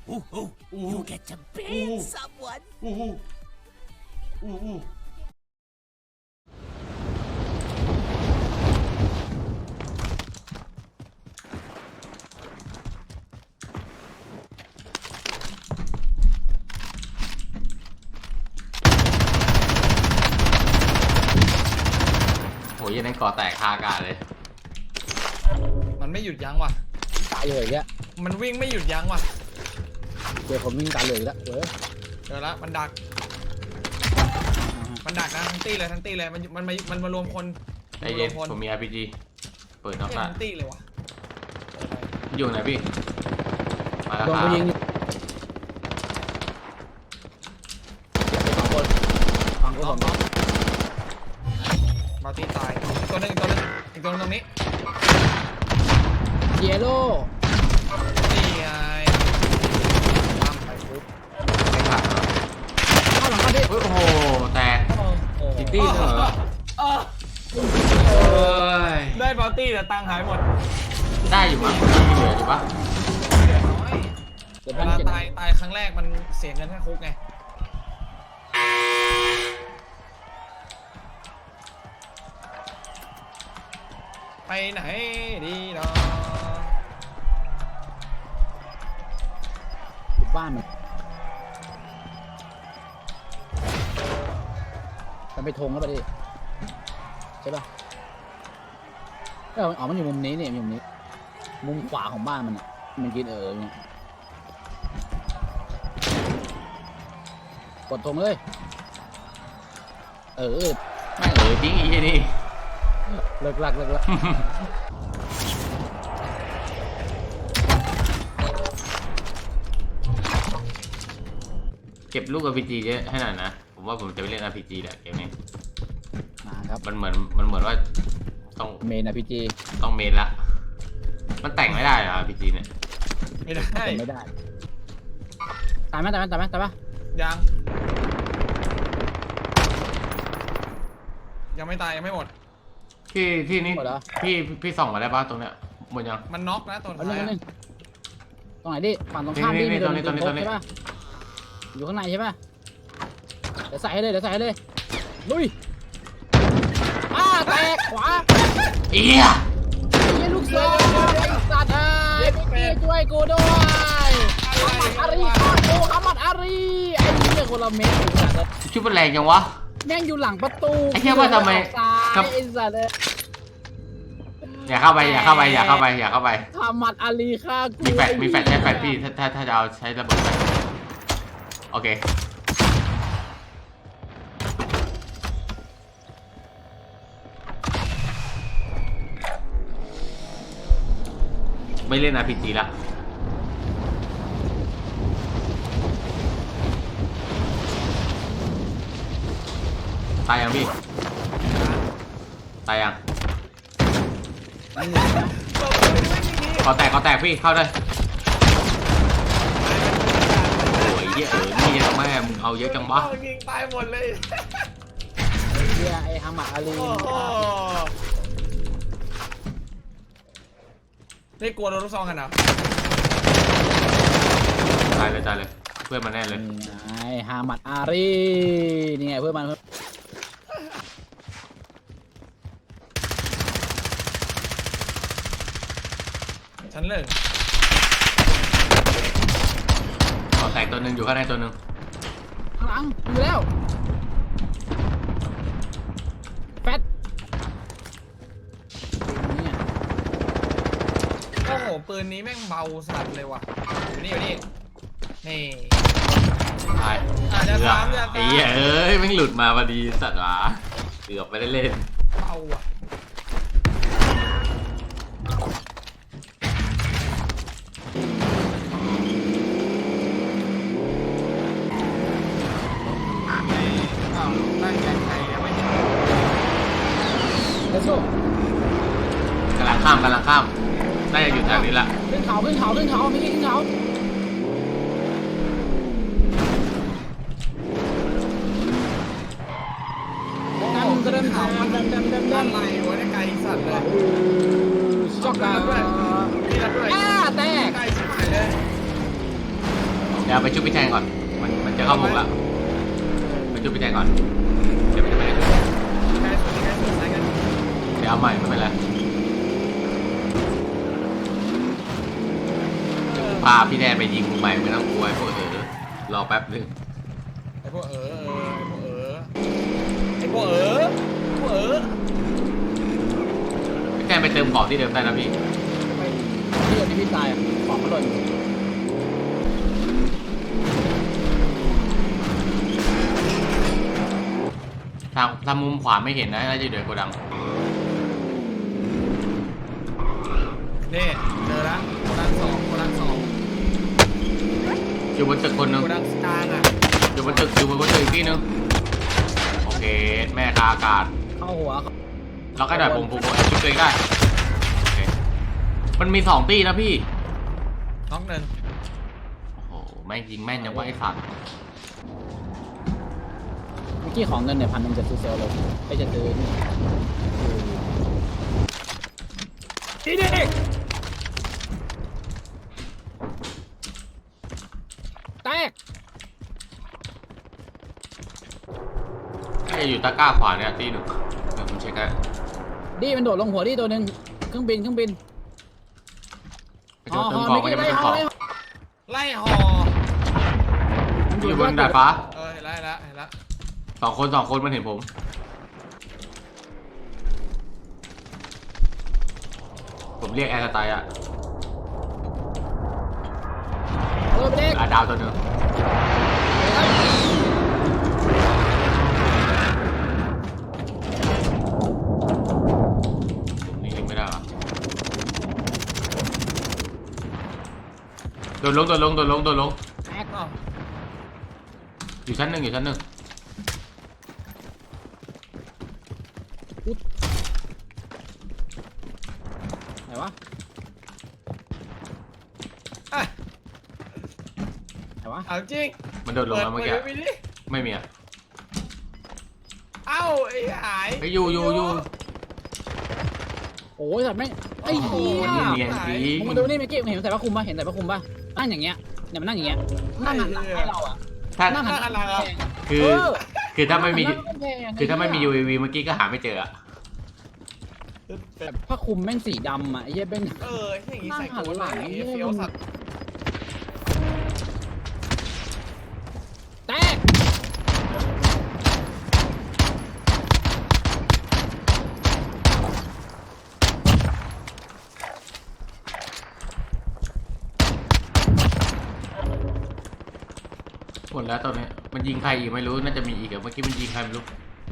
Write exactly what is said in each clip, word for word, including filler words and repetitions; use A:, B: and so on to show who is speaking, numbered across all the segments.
A: Ooh, ooh, ooh. You get to ban ooh. someone. Ooh, ooh, ooh.
B: โหยันนั้นก่อแตกคาอากาศเลย
C: มันไม่หยุดยั้งว่ะ
D: ตายเลยอ่ะ
C: มันวิ่งไม่หยุดยั้งว่ะ
D: เดี๋ยวผมวิ่งตายเลยแล้วเออ
C: เจอละมันดักมันดักนะทั้งตี้เลยทั้งตี้เลยมันมันมามันมารวมคน
B: ไอเย็นผมมี อาร์ พี จี เปิดน็อกละ
C: ทั้งตี้เลยว่ะ
B: อยู่ไหนพี่มาแล้วครับ
D: ฟังก็ผม
C: มาตีตายตัวนึงอีกตัวนึงอีกตัวนึงตรงนี้
D: เยลโล่
C: นี่ไงตามไปปุ๊บ
B: ไม่ขาด
D: เข้าหลังมาดิ
B: โอ้โหแตกซิตี้เหรอ
C: ได้บอลตี้แต่ตังหายหมด
B: ได้อยู่มั้งเหลืออยู่ปะ
C: เหลือน้อยเวลาตายตายครั้งแรกมันเสียเงินแค่คุกไงไปไหนดีเนาะ
D: บ้านมันมันไปทงแล้วไปดิใช่ป่ะเอออ๋อมันอยู่มุมนี้เนี่ยมุมนี้มุมขวาของบ้านมันอ่ะมันกินเออเนี่ยกดทงเลยเออ
B: ไม่เออจริงอีนี่
D: เลิกลักเลิกลัก
B: เก็บลูก อาร์ พี จี เยอะให้หน่อยนะผมว่าผมจะไปเล่น อาร์ พี จี แหละเกมนี้
D: นะครับ
B: มันเหมือนมันเหมือนว่าต้อง
D: เมน อาร์ พี จี
B: ต้องเมนละมันแต่งไม่ได้เหรอ อาร์ พี จี เนี่ย
C: ไม่ได้
D: ไม่ได้ตายไหมตายไหมตายไหมตายปะ
C: ยังยังไม่ตายยังไม่หมด
B: พี่พี่นี่พี่พี่ส่องมาได้ป่ะตรงเนี้ยหมดยัง
C: มันน็อกนะตรงท้าย
D: ตรงไหนดิฝั่งตรงข้ามดิมีตรงนี้ตรงนี้ตรงนี้ใช่ป่ะอยู่ข้างในใช่ป่ะเดี๋ยวใส่ให้เลยเดี๋ยวใส่ให้เลยลุยอ้าแตกขวา
B: เอีย
D: ไอ้ลูกศรไอ้สัตว์ไอ้พี่ช่วยกูด้วยฮัมมัดอารีฆ่ากูฮัมมัดอารีไอ้เนี่ยคนละเม็ด
B: ชุดมันแรงจังวะ
D: แม่งอยู่หลังประตู
B: ไอ้เหี้ยว่าทำไม
D: ไอ้สัตว์
B: อย่าเข้าไปอย่าเข้าไปอย่าเข้าไปอย่าเข้าไป
D: ฮัมมัดอารีฆ่ากู
B: มีแฟดมีแฟดใช้แฟดพี่ถ้าถ้าถ้าจะเอาใช้ระเบิดโอเคไม่เล่น อาร์ พี จี ละตายยังพี่ตายยังขอแตกขอแตกพี่เข้าเลยโอ้ยเยอะเออนี่ยังแม่มึงเอาเยอะจังวะ
C: ยิงตายหมดเลย
D: ไอ้เหี้ยไอ้ฮัมมัดอารี
C: นี่กลัวโดนลูกซองกันเหรอ
B: ตายเลยตายเลยเพื่อนมันแน่เลย
D: ไอ้ฮัมมัดอารีนี่ไงเพื่อนมัน
C: ฉันเลิก
B: ขอแตกตัวหนึ่งอยู่ข้างในตัวหนึ่ง
D: ข้างหลังอยู่แล้วแฟต
C: โอ้โหปืนนี้แม่งเบาสัตว์เลยว่ะอยู่นี่อยู่นี่นี่
B: ตาย
C: อาจจะสามจะ
B: ไอ้เหี้ยเอ้ยแม่งหลุดมาพอดีสัตว์วะเกือบไม่ได้เล่น
C: เบาอ่ะ
B: กำลังข้ามกำลังข้ามน่าจะอยู่แถวนี้ละ
D: ขึ้นเขาขึ้นเขาขึ้นเขาไม่ใช่ขึ้นเขาดันเดินเขามันดันดันดันดัน
C: อะไรวะเนี่ยไกลสัตว์เลย
D: ช็อกกันด้วย
C: นี่รับด้วย
D: อ้าแตก
C: ไกลชิบหายเลย
B: ดี๋ยวไปชุบพี่แทนก่อนมันมันจะเข้าวงละไปชุบพี่แทนก่อนเดี๋ยวมันจะไม่ได้ชุบ
C: ใกล้สุดใกล้สุดใกล้กัน
B: เดี๋ยวเอาใหม่ไม่เป็นไรพาพี่แทนไปยิงมุมใหม่ไม่ต้องกลัวไอ้พวกเออรอแป๊บนึง
C: ไอ้พวกเออไอ้พวกเออไอ้พวกเออพวกเออ
B: พี่แทนไปเติมของที่เดิมได้นะพี่
D: ไปที่เดียวที่พี่ตายอะของมันหล่น
B: ทางทางมุมขวาไม่เห็นนะน่าจะอยู่ในโกดัง
C: นี่เจอแล้วโกดังสองโกดังสอง
B: อยู่บนตึกคนหนึง
C: โกดังกลางอ่ะ
B: อยู่บนตึกอยู่บนตึกอีกที่หนึงโอเคแม่คาอากาศ
D: เข้าหัวเขา
B: เราก็ได้ผมผมผมคิดตัวเองได้โอเคมันมีสองตีนะพี่
C: น้องหนึ่ง
B: โอ้โหแม่งยิงแม่นยังว่าไอ้สัตว์
D: เมื่อกี้ของเงินเนี่ยพันหนึ่งจะซื้อเซลล์เลยไปจะซื้อนี่ดีดีแตก
B: น่าจะอยู่ตะกร้าขวาเนี่ยตีหนึ่งเดี๋ยวผมเช็คได้
D: ดีมันโดดลงหัวดีตัวหนึ่งเครื่องบินเครื่องบิน
B: ไปโจมเติมของก็จะไม่เติมของ
C: ไล่หอ
B: อยู่บนดาดฟ้า
C: เออเห็นแล้วเห็นแล้วเห็นแล้ว
B: สองคนสองคนมันเห็นผมผมเรียกแอร์สไตล์อะ
D: เออไปเด็ก
B: อาดาวตัวหนึ่งนี่ยิงไม่ได้หรอโดนลงโดนลงโดนลงโดนลง
D: แตก
C: อ้าว
B: อยู่ชั้นหนึ่งอยู่ชั้นหนึ่ง
D: ไหนวะ
C: อ่ะ
D: ไหนวะ
C: เอาจริง
B: มันโดนลงแล้วเมื่อกี้
C: ปิดดิ
B: ไม่มีอะ
C: เอ้าไอ้หาย
B: ไปอยู่อยู่อยู่
D: โอ้ยสัตว์ไม่ไอ้
B: โอ้โห
D: เหี้ย
B: เนียนจริง
D: มึงมาดูนี่เมื่อกี้เห็นใส่ผ้าคลุมป่ะเห็นใส่ผ้าคลุมป่ะนั่งอย่างเงี้ยเนี่ยมันนั่งอย่างเงี้ยนั่งหันหลังให้เราอ่ะ
B: ถ้า
D: นั่งหันหลัง
C: นั่งหันหลังเหรอ
B: คือ
D: เ
B: คือถ้าไม่มี
D: นั่งกำแพง
B: คือถ้าไม่มี ยู เอ วี เมื่อกี้ก็หาไม่เจออะ
D: แบบผ้าคลุมแม่งสีดำอ่ะไอ้เหี้ยเป็น
C: เอออย่างงี้ใส่
D: นั่งหัน
C: โก
D: หลั
C: ดั
D: ง
C: งอย่างงี้
D: เนี่ย
C: เฟี้ยวสัตว์
D: แตก
B: หมดแล้วตอนนี้มันยิงใครอีกไม่รู้น่าจะมีอีกอะเมื่อกี้มันยิงใครไม่รู้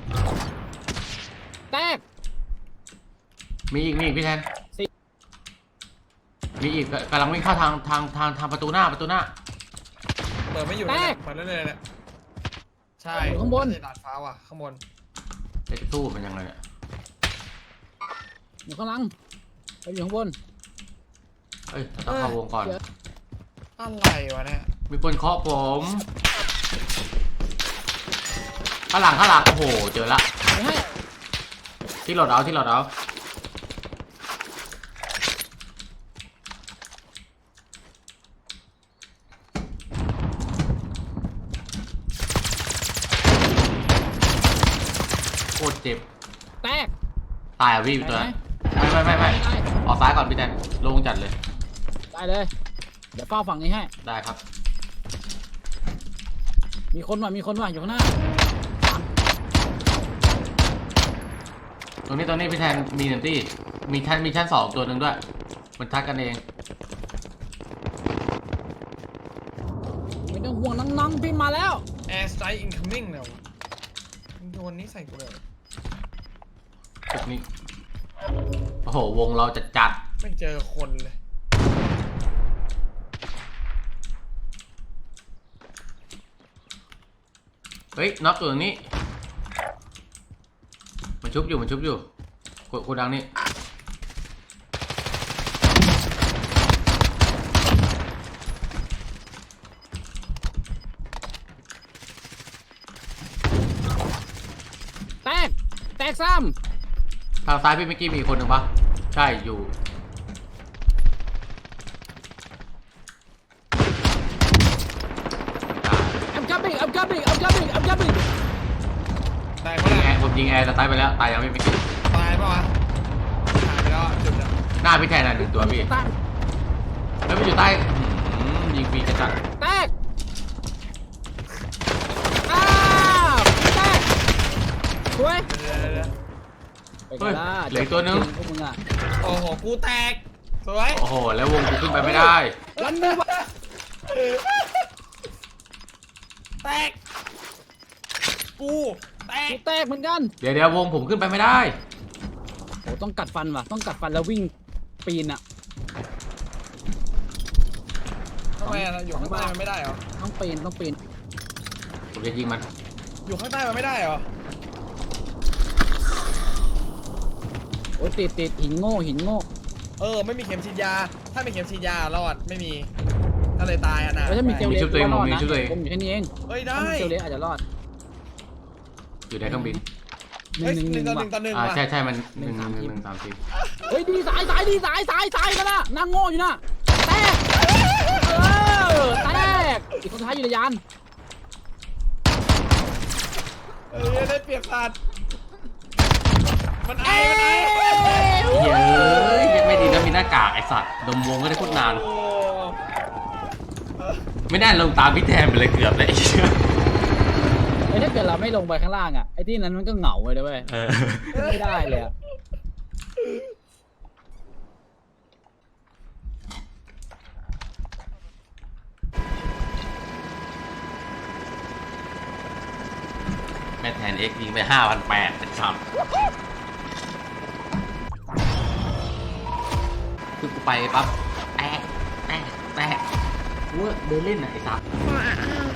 D: แตก
B: มีอีกมีอีกพี่แทน
D: สิ
B: มีอีกกำลังวิ่งเข้าทางทางทางทางประตูหน้าประตูหน้า
C: เปิดไม่อยู่เลยเปิดเรื่อยๆเนี่ยใช่
D: อยู่ข้างบน
C: ไม่ใช่ดาดฟ้าว่ะข้างบน
B: จะสู้มันยังไงเนี่ย
D: อยู่ข้างหลังไปอยู่ข้างบน
B: เอ้ยเราต้องเข้าวงก่อน
C: อะไรวะเนี่ย
B: มีคนเคาะผมข้างหลังข้างหลังโอ้โหเจอละ
D: ไปให้
B: ที่โหลดเอาที่โหลดเอาโคตรเจ็บ
D: แตก
B: ตายอ่ะพี่ตัวนั้น
D: ได้
B: ไม่ไม่ไม่ไม่
D: ได้
B: ออกซ้ายก่อนพี่แทนลงจัดเลย
D: ได้เลยเดี๋ยวเฝ้าฝั่งนี้ให้
B: ได้ครับ
D: มีคนว่ะมีคนว่ะอยู่ข้างหน้า
B: ตรงนี้ตรงนี้พี่แทนมีหนึ่งที่มีชั้นมีชั้นสองตัวหนึ่งด้วย มันทักกันเอง
D: ไม่ต้องห่วงน้องๆพี่มาแล้ว
C: แอร์สไตล์อินคัมมิ่งเนี่ยวะมึงโยนนี้ใส่กูเลย
B: ตึกนี้โอ้โหวงเราจัดจัด
C: ไม่เจอคนเลย
B: เฮ้ยน็อกตัวนี้มันชุบอยู่มันชุบอยู่กดกดดังนี่
D: แตกแตกซ้
B: ทางซ้ายพี่เมื่อกี้มีคนหนึ่งปะใช่อยู่
D: coming I'm coming I'm coming
C: ตาย
B: ยิ
C: เมื่
B: ง
C: อไห
B: แอ
C: ร่
B: ร์ผมยิงแอร์แต่ตายไปแล้วตายยังไม่ไปกิน
C: ตายปะวะหายไปแล้วจุดเนี่ย
B: หน้าพี่แทนน่ะหนึ่งตัวพี่
D: ตาย
B: แล้วมันอยู่ใต้อืมยิงฟรีจะจัด
D: แตกอ้าวแตกสวย
C: เดี๋ยวเดี๋ยวเดี๋ยว
D: ไปกันละ
B: เหลืออีกตัวนึง
D: พวกมึงอ่ะ
C: โอ้โหกูแตกสวย
B: โอ้โหแล้ววงกูขึ้นไปไม่ได้
D: รันมือวะ
C: แตกกูแตก
D: กูแตกเหมือนกัน
B: เดี๋ยวเดี๋ยววงผมขึ้นไปไม่ได้
D: โอ้ต้องกัดฟันว่ะต้องกัดฟันแล้ววิ่งปีนอ่ะ
C: ทำไมอะอยู่ข้างใต้มันไม่ได้เหรอ
D: ต้องปีนต้องปีน
B: ผมจะยิงมัน
C: อยู่ข้างใต้มันไม่ได้เหรอ
D: โอ้ยติดติดหินโง่หินโง่
C: เออไม่มีเข็มฉีดยา ถ้ามีเข็มฉีดยารอดไม่มีถ้าเลยตายอ่ะนะ
D: แล้วถ้ามีเจล
B: มี
D: เล็ก
B: ชุดตัวเอง
D: ก็รอด
B: มี
D: นะ
B: ชุดตัวเอง
D: ผมอยู่แค่นี้เอง
C: เฮ้ยได้
D: ถ้ามีเจลเล็กอาจจะรอด
B: อยู่ในเครื่องบิน
D: หนึ่
C: เฮ้ย
D: งหนึ่ง
C: ห
D: ห
C: นึ่
D: นึ่
C: ง
D: ง
C: ต่อหนึ่งต่อหนึ่ง
B: อ่า
C: ว่ะ
B: ใช่ใช่มันหนึ่งหนึ่งหนึ่งหนึ่งสามสี่
D: เฮ้ยดีสายสายดีสายสายสายกันนะนางโง่อยู่นะแตกเออแตกอีกคนท้ายอยู่ในยาน
C: เอ้ยได้เปรียบสัตว์มันไอมันไอ
B: เย้ยยังไม่ดีนะมีหน้ากากไอสัตว์ดมวงก็ได้พูดนาน
C: โอ้
B: ไม่ได้ลงตามพี่แทนไปเลยเกือบเลย
D: ไอ้ยถ้าเกิดเราไม่ลงไปข้างล่างอ่ะไอ้ที่นั้นมันก็เหงาเลยนะเว้ย
B: เออ
D: ไม่ได้เลยอะ
B: แม่แทนเอ็กยิงไปห้าพันแปดเป็นซ้ำคือกูไปปั๊บแตะแตะแตะกูว่าเดินเล่นน่ะไอ้สัตว์